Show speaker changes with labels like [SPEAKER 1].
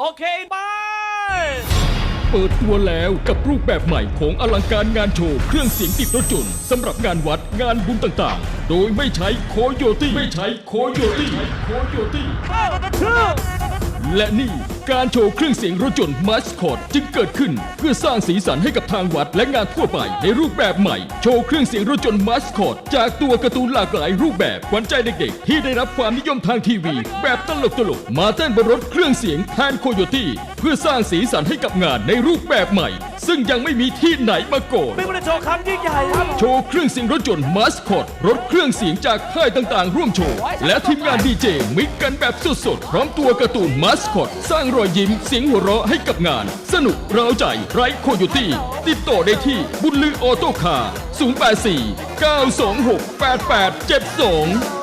[SPEAKER 1] โอเคไป
[SPEAKER 2] เปิดตัวแล้วกับรูปแบบใหม่ของอลังการงานโชว์เครื่องเสียงติดรถยนต์สำหรับงานวัดงานบุญต่างๆโดยไม่ใช้โคโยตี้และนี่การโชว์เครื่องเสียงรถยนต์มาสคอตจึงเกิดขึ้นเพื่อสร้างสีสันให้กับทางวัดและงานทั่วไปในรูปแบบใหม่โชว์เครื่องเสียงรถยนต์มาสคอตจากตัวการ์ตูนหลากหลายรูปแบบขวัญใจเด็กๆที่ได้รับความนิยมทางทีวีแบบตลกๆมาเต้นบนรถเครื่องเสียงแทนโคโยตี้เพื่อสร้างสีสันให้กับงานในรูปแบบใหม่ซึ่งยังไม่มีที่ไหนมาก่อน
[SPEAKER 1] เป็นวันโชว์ครั้งยิ่งใหญ่ครับ
[SPEAKER 2] โชว์เครื่องเสียงรถยนต์มาสคอตรถเครื่องเสียงจากค่ายต่างๆร่วมโชว์และทีมงานดีเจมิกกันแบบสดๆพร้อมตัวการ์ตูนมาสคอตสร้างรอยยิ้มเสียงหัวเราะให้กับงานสนุกเร้าใจไร้โคโยตี้ติดต่อได้ที่บุญลือออโต้คาร์084 926 8872